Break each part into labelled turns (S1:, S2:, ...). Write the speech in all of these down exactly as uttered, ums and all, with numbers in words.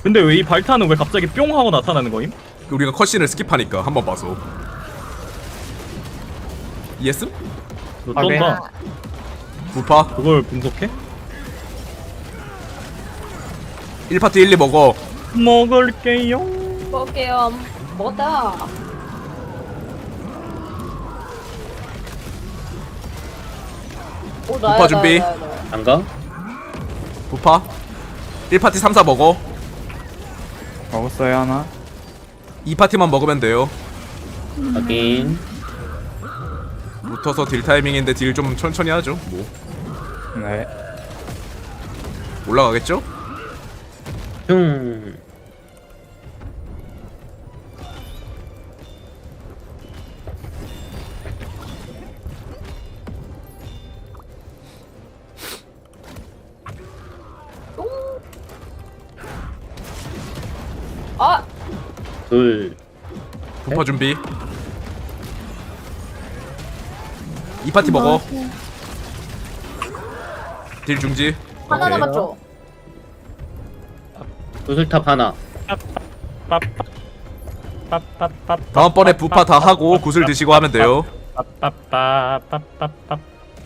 S1: 근데 왜 이 발탄은 왜 갑자기 뿅 하고 나타나는 거임?
S2: 우리가 컷신을 스킵하니까 한 번 봐서. 이해했음?
S1: 너
S3: 아, 네.
S1: 쩐다.
S2: 부파
S1: 그걸 분석해?
S2: 일 파티 일, 이 먹어.
S1: 먹을게요.
S4: 먹을게요. 뭐다? 오, 나야,
S2: 오빠 준비.
S4: 나야, 나야, 나야.
S5: 안 가?
S2: 부파 일 파티 삼, 사 먹어.
S3: 먹었어요 하나.
S2: 이 파티만 먹으면 돼요.
S5: 확인.
S2: 붙어서 딜 타이밍인데 딜 좀 천천히 하죠. 뭐
S3: 네.
S2: 올라가겠죠?
S5: 흉.
S4: 아!
S5: 둘.
S2: 부파 준비. 이 파티 먹어. 딜 중지.
S4: 하나
S2: 오케이.
S4: 남았죠?
S5: 구슬탑 하나.
S1: 빠빠빠빠.
S2: 다음번에 부파 다 하고 구슬 드시고 하면 돼요.
S1: 빠빠빠빠빠빠.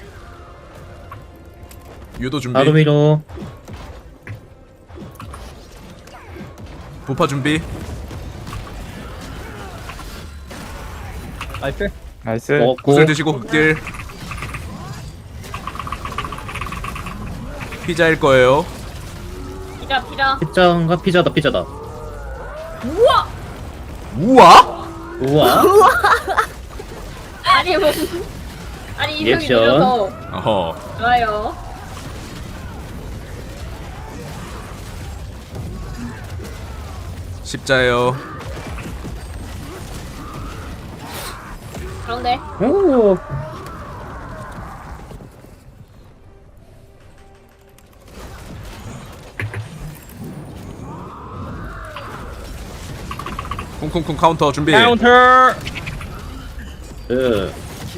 S2: 유도 준비.
S5: 바로 위로.
S2: 부파 준비.
S1: 나이스.
S3: 나이스.
S5: 먹었고.
S2: 구슬 드시고 극딜. 피자일 거예요.
S4: 피자, 피자.
S5: 피자인가? 피자다, 피자다.
S4: 우와!
S2: 우와?
S5: 우와.
S4: 아니, 무슨. 아니, 이성이
S5: 리액션.
S4: 느려서.
S2: 어허.
S4: 좋아요.
S2: 십자예요.
S4: 가운데.
S5: 오.
S2: 쿵쿵쿵 카운터 준비.
S1: 카운터.
S5: 그.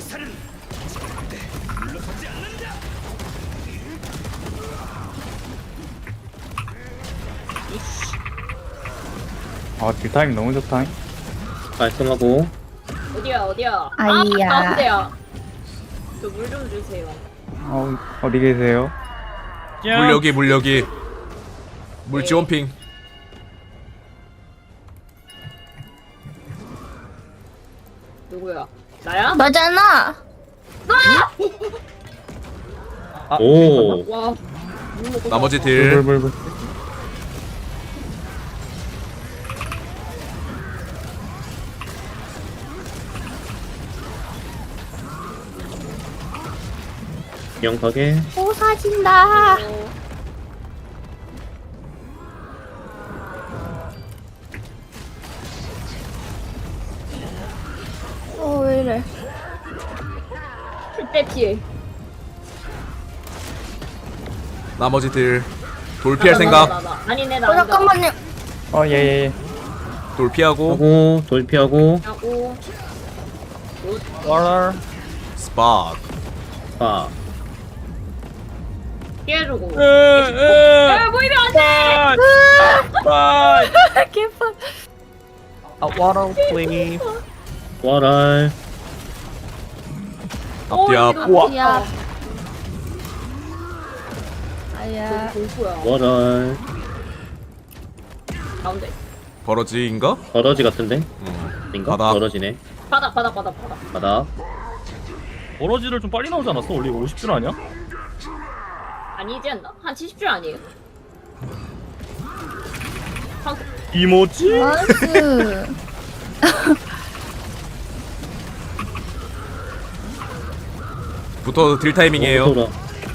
S3: 아 딜타임 너무 좋다.
S5: 깔끔하고.
S4: 어디야, 어디야?
S6: 아이야.
S4: 아, 가운데야. 저 물 좀 주세요.
S3: 어 어디 계세요?
S2: 물 여기 물 여기. 물 지원핑.
S4: 누구야? 나야?
S6: 너잖아.
S5: 오.
S4: 와. 물 먹고
S2: 나머지
S4: 싶어.
S2: 딜.
S3: 불불불.
S5: 명확하게.
S6: 오 사진다.
S4: 어,
S6: 어 왜이래?
S4: 풀대 피해.
S2: 나머지 딜. 돌 피할
S4: 나, 나,
S2: 생각.
S4: 나, 나, 나. 아니네, 나.
S6: 어
S4: 아니다.
S6: 잠깐만요.
S3: 어 예예예.
S2: 돌 피하고.
S5: 하고, 돌피하고.
S4: 하고.
S1: 와라.
S2: 스팟.
S5: 아.
S4: 피해주고.
S1: 으으.
S4: 야, 보이면 안 돼!
S1: 빠이.
S6: 개판.
S1: 아, water please.
S5: 와랄.
S2: 앞뒤앞.
S4: 어,
S1: 우와.
S6: 야. 아야.
S4: 공포야.
S5: 와랄.
S4: 가운데.
S2: 버러지인가?
S5: 버러지 같은데?
S2: 음.
S5: 인가?
S2: 바닥.
S5: 버러지네.
S4: 바닥, 바닥, 바닥, 바닥.
S5: 바닥.
S1: 버러지를 좀 빨리 나오지 않았어? 원래 오십 줄 아니야?
S4: 아니지 않나? 한 칠십 줄 아니에요? 한,
S1: 이모지?
S6: 나이스.
S2: 부터 딜 타이밍이에요.
S5: 오, 돌아.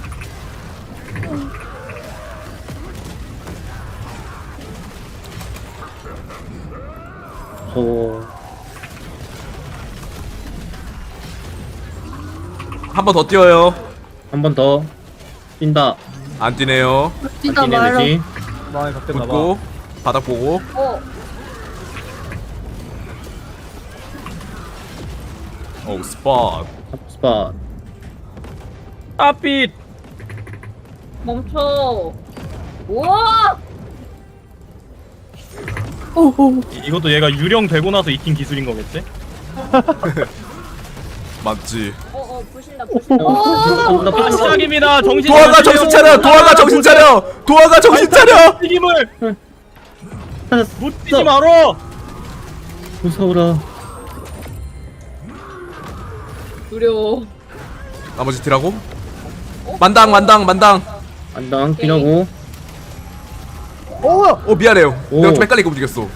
S5: 소.
S2: 한 번 더 뛰어요.
S5: 한 번 더. 뛴다.
S2: 안 뛰네요.
S6: 진짜
S5: 뛰네,
S6: 말로.
S5: 되지?
S1: 많이 바뀌었나 봐.
S2: 붙고 바닥 보고.
S4: 어,
S2: 오 스팟.
S5: 스팟.
S1: 아빛.
S4: 멈춰. 우와!
S1: 이- 이것도 얘가 유령 되고 나서 익힌 기술인 거겠지?
S2: 맞지.
S4: 어어 부신다 부신다.
S5: 어, 나
S1: 아,
S5: 빠졌어.
S1: 시작입니다. 정신
S2: 도화가 정신 차려. 도화가 정신 차려. 도화가 정신 차려.
S1: 튀김을
S5: 찾았어.
S1: 못 뛰지 말어.
S5: 무서워라.
S4: 두려워.
S2: 나머지 딜하고. 만당 만당 만당.
S5: 안당 피하고.
S2: 어 미안해요.
S5: 오.
S2: 내가 좀 헷갈리게 움직였어.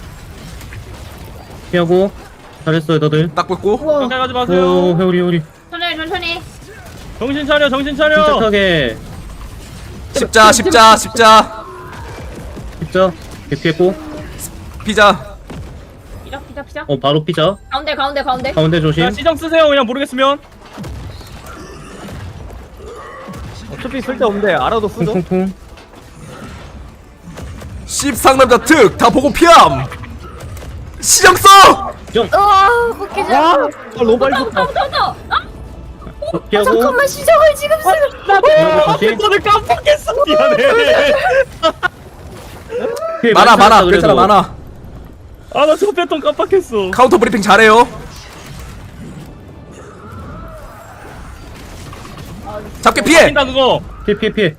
S5: 피하고. 잘했어요 다들.
S2: 딱 뺏고.
S1: 가까이 가지
S5: 오
S1: 마세요.
S5: 회오리 회오리.
S4: 천천히 천천히.
S1: 정신 차려, 정신 차려.
S5: 침착하게.
S2: 십자 십자 십자.
S5: 십자. 개 피했고.
S2: 피자.
S4: 피자 피자 피자.
S5: 어 바로 피자.
S4: 가운데 가운데 가운데.
S5: 가운데 조심.
S1: 자, 시정 쓰세요. 그냥 모르겠으면.
S7: 어차피 쓸데없는데 알아도 쓰죠.
S5: 퉁퉁퉁.
S2: 십상남자 특 다 보고 피함. 시정 써.
S6: 와 웃기지 않아.
S7: 아, 너무 빨리 썼다.
S4: 더더더.
S5: 피하고.
S6: 잠깐만 시정을 지금 쓰.
S5: 피하고 조심.
S1: 너를 깜빡했어. 미안해.
S5: 피해
S2: 많아
S5: 많이
S2: 많아.
S5: 찾았다,
S2: 괜찮아
S5: 그래도.
S2: 많아.
S1: 아, 나 저거 패턴 깜빡했어.
S2: 카운터 브리핑 잘해요. 잡게 피해.
S1: 뛴다 그거.
S5: 피해 피해 피해.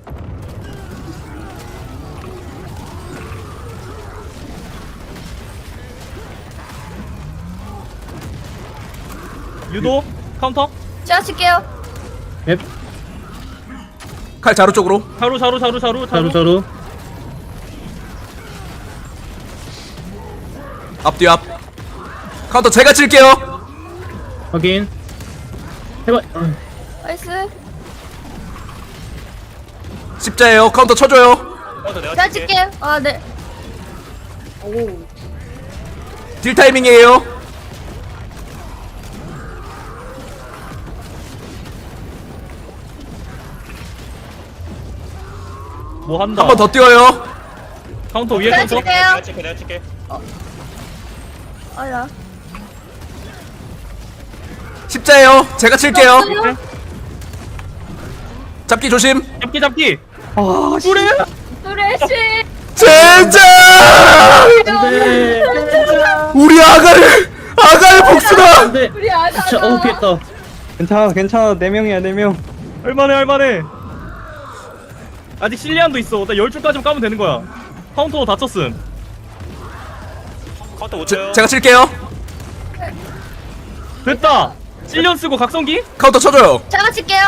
S1: 유도 카운터.
S6: 제가 칠게요.
S5: 앱.
S2: 칼 자루 쪽으로.
S1: 자루 자루 자루 자루
S5: 자루 자루.
S2: 앞뒤 앞. 카운터 제가 칠게요.
S5: 확인. 해봐. 어,
S6: 나이스.
S2: 십자예요. 카운터 쳐줘요.
S6: 제가 칠게요. 아 네.
S2: 딜 타이밍이에요.
S1: 뭐 한다.
S2: 한 번 더 뛰어요.
S1: 카운터 위에
S6: 제가
S1: 카운터.
S6: 칠게요. 아야.
S2: 십자예요. 제가 칠게요. 잡기 조심.
S1: 잡기 잡기.
S7: 아, 씨.
S1: 그래?
S4: 쓰레쉬.
S2: 젠장!
S5: 안돼.
S2: 우리 아가를 아가의 복수다.
S5: 안돼.
S4: 우리 아다.
S5: 진짜 어우 피했다.
S3: 괜찮아 괜찮아 네 명이야 네명
S1: 할만해 할만해. 아직 실리안도 있어. 나 열 줄까지만 까면 되는 거야. 카운터 다 쳤음.
S2: 제, 제가 칠게요.
S1: 됐다. 실리안 쓰고 각성기?
S2: 카운터 쳐줘요.
S6: 제가 칠게요.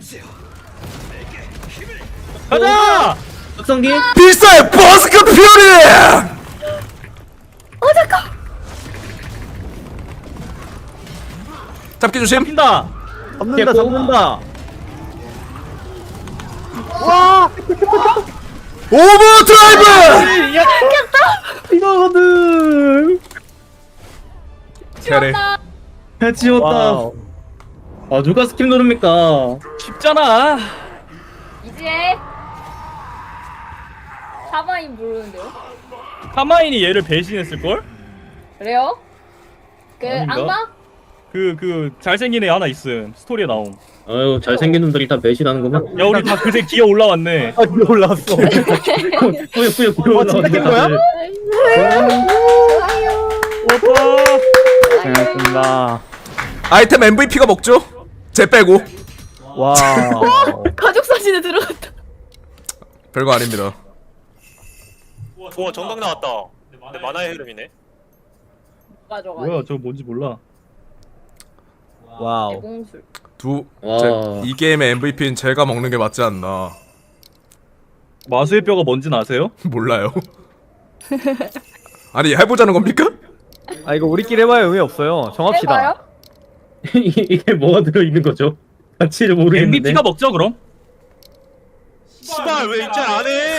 S1: 가자.
S5: 박성기.
S2: 필사의 버스크 퓨리.
S6: 어 잠깐.
S2: 잡기 조심.
S1: 핀다.
S7: 잡는다,
S5: 피했고.
S7: 잡는다.
S2: 오버드라이브.
S7: 이거거든.
S2: 잘해.
S5: 잘 지웠다.
S7: 와우.
S5: 아 누가 스킵 누릅니까?
S1: 쉽잖아.
S4: 이제 사바인 부르는데요?
S1: 카마인이 얘를 배신했을 걸?
S4: 그래요? 그
S1: 아닌가?
S4: 악마?
S1: 그 그 잘생긴 애 하나 있음. 스토리에 나옴.
S5: 아유 잘생긴 놈들이 다 배신하는구만.
S1: 야 우리 다 그새 기어 올라왔네.
S7: 아, 위에 올라왔어.
S5: 뿌요뿌요 뿌요
S7: 어, 진짜 깬 거야?
S1: 오빠.
S3: 고생하셨습니다.
S2: 아이템 엠브이피가 먹죠. 제 빼고.
S7: 와.
S6: 가족 사진에 들어갔다.
S2: 별거 아닙니다.
S8: 우와 정강 나왔다. 근데 만화의 흐름이네.
S4: 가져가.
S1: 뭐야 저거 뭔지 몰라.
S7: 와우.
S4: 대공술.
S2: 두.
S5: 와.
S2: 제, 이 게임의 엠브이피는 제가 먹는 게 맞지 않나.
S1: 마수의 뼈가 뭔진 아세요?
S2: 몰라요. 아니 해보자는 겁니까?
S7: 아, 이거 우리끼리 해봐야 의미 없어요. 정합시다.
S4: 해봐요?
S5: 이게, 이게 뭐가 들어있는 거죠? 가치를 모르겠는데.
S1: 엠브이피가 먹죠 그럼?
S8: 씨발 왜 입장 안 해?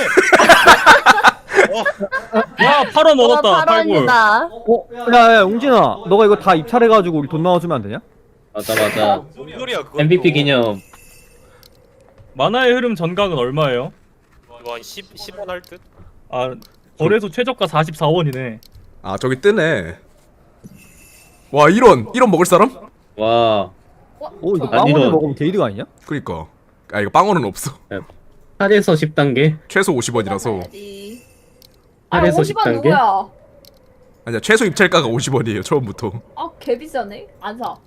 S1: 야 팔 원 얻었다. 팔골.
S7: 어? 야, 야, 웅진아. 너가 이거 다 입찰해가지고 우리 돈 나와주면 안 되냐?
S5: 맞아 맞아.
S8: 뭔 소리야 그거?
S5: 엠브이피 기념.
S1: 만화의 흐름 전각은 얼마예요?
S8: 이거 한 십, 십 원 할 듯?
S1: 아 거래소 최저가 사십사 원이네.
S2: 아 저기 뜨네. 와 일 원. 일 원 먹을 사람?
S5: 와.
S7: 오, 이거
S5: 아니,
S7: 빵원을
S5: 이거-
S7: 먹으면 게이드가 아니냐?
S2: 그니까. 아 이거 빵원은 없어.
S5: 팔에서 십 단계.
S2: 최소 오십 원이라서.
S4: 아
S5: 팔에서 십
S4: 오십 원
S5: 단계.
S4: 누구야?
S2: 아니야 최소 입찰가가 오십 원이에요 처음부터.
S4: 아, 개 비싸네. 안 사.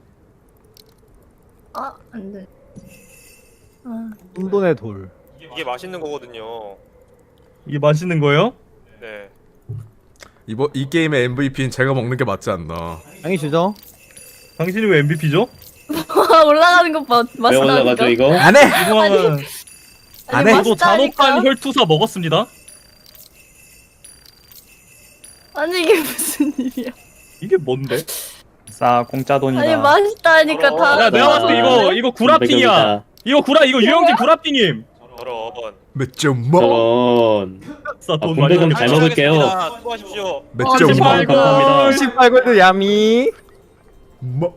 S6: 아, 안 돼. 아,
S7: 혼돈의 돌.
S8: 이게 맛있는 거거든요.
S1: 이게 맛있는 거예요?
S8: 네.
S2: 이번 이 게임의 엠브이피는 제가 먹는 게 맞지 않나.
S7: 당연히 주죠.
S1: 당신이 왜 엠브이피죠?
S6: 올라가는 것 봐.
S5: 왜 올라가죠
S6: 맛있다니까.
S5: 이거?
S2: 안 해.
S1: 이동하면
S7: 안 해.
S1: 저도
S6: 맛있다니까.
S1: 잔혹한 혈투사 먹었습니다.
S6: 아니 이게 무슨 일이야?
S1: 이게 뭔데?
S3: 싸 공짜 돈이다.
S6: 아니 맛있다니까
S8: 어,
S6: 다.
S1: 야 내가 봤을 때 이거 이거 구라핑이야. 이거 구라 이거 유영진 구라핑임.
S8: 저런.
S2: 몇 점 먹?
S5: 저런.
S1: 싸 돈
S5: 아,
S1: 많이
S5: 공백은
S1: 받네.
S5: 잘 먹을게요.
S8: 수고하셨습니다. 수고하십시오.
S2: 몇
S6: 어,
S2: 점
S6: 진짜
S2: 먹?
S6: 아이고.
S5: 감사합니다.
S7: 십팔 골드 야미.
S2: 뭐?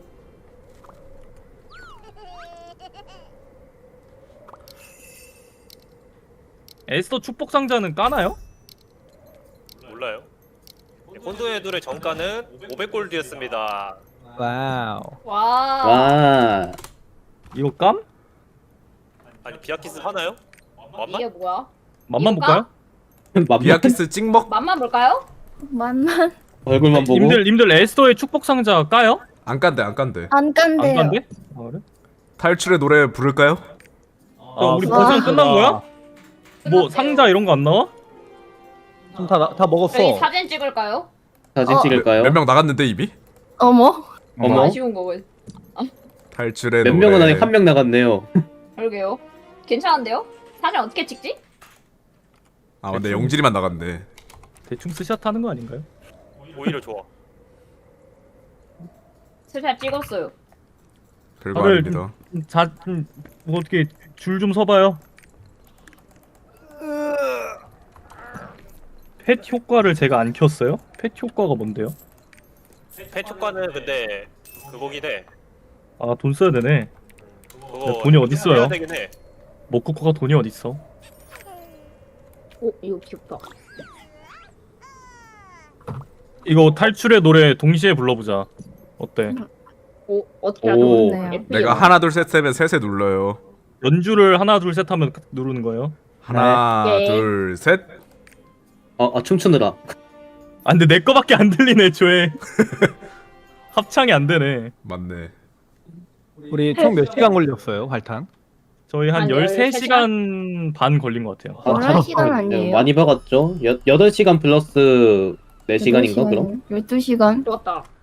S1: 에스더 축복 상자는 까나요?
S8: 몰라요. 혼돈의 둘의 정가는 오백 골드였습니다.
S7: 와우.
S4: 와.
S5: 와.
S1: 이거 깜?
S8: 아니 비아키스 하나요? 맞나?
S4: 이게 뭐야?
S1: 맛만
S4: 이거
S1: 볼까요?
S5: 맘만
S2: 비아키스 찍먹?
S4: 맛만 볼까요?
S6: 만만
S5: 얼굴만 보고.
S1: 님들 님들 에스더의 축복 상자 까요?
S2: 안 깐대 안 깐대.
S6: 안 깐대요.
S1: 안 간대? 아, 그래?
S2: 탈출의 노래 부를까요?
S1: 아, 우리
S6: 와.
S1: 버전 끝난 거야? 뭐
S4: 끝났대요.
S1: 상자 이런 거 안 나와?
S7: 좀 다 다 먹었어.
S4: 저희 사진 찍을까요?
S5: 사진
S6: 어.
S5: 찍을까요?
S2: 몇 명 나갔는데 이미?
S6: 어머.
S5: 어머.
S4: 아쉬운 거고.
S2: 탈출의
S5: 몇
S2: 노래.
S5: 명은 아니 한 명 나갔네요.
S4: 그러게요. 괜찮은데요? 사진 어떻게 찍지?
S2: 아 근데 영진이만 나갔네.
S1: 대충 스샷 하는 거 아닌가요?
S8: 오히려 좋아.
S4: 슬슬 찍었어요.
S2: 별거
S1: 다들
S2: 아닙니다.
S1: 자, 좀, 뭐 어떻게 줄 좀 서봐요. 펫 효과를 제가 안 켰어요? 펫 효과가 뭔데요?
S8: 펫 효과는 근데 그거긴 해.
S1: 아, 돈 써야 되네.
S8: 그거
S1: 야, 돈이 어딨어요?
S8: 해야 되긴 해.
S1: 먹코코가 돈이 어딨어?
S4: 오, 이거 귀엽다.
S1: 이거 탈출의 노래 동시에 불러보자. 어때?
S4: 오, 어떻게
S5: 오.
S4: 하죠? 예쁘게.
S2: 내가 하나 둘 셋 셋에 셋에 눌러요.
S1: 연주를 하나 둘 셋 하면 누르는 거예요?
S2: 하나
S4: 네.
S2: 둘 셋.
S5: 아, 아 춤추느라.
S1: 아 근데 내 거밖에 안 들리네 애초에. 합창이 안 되네.
S2: 맞네.
S7: 우리 총 몇 시간 걸렸어요, 할탄?
S1: 저희 한
S4: 한
S1: 열세
S4: 열세
S1: 시간 반 걸린 것 같아요.
S5: 아,
S6: 열한 시간 아니에요?
S5: 많이 박았죠? 여, 여덟 시간 플러스 네 시간인가 그럼?
S6: 열두 시간.
S4: 좋았다.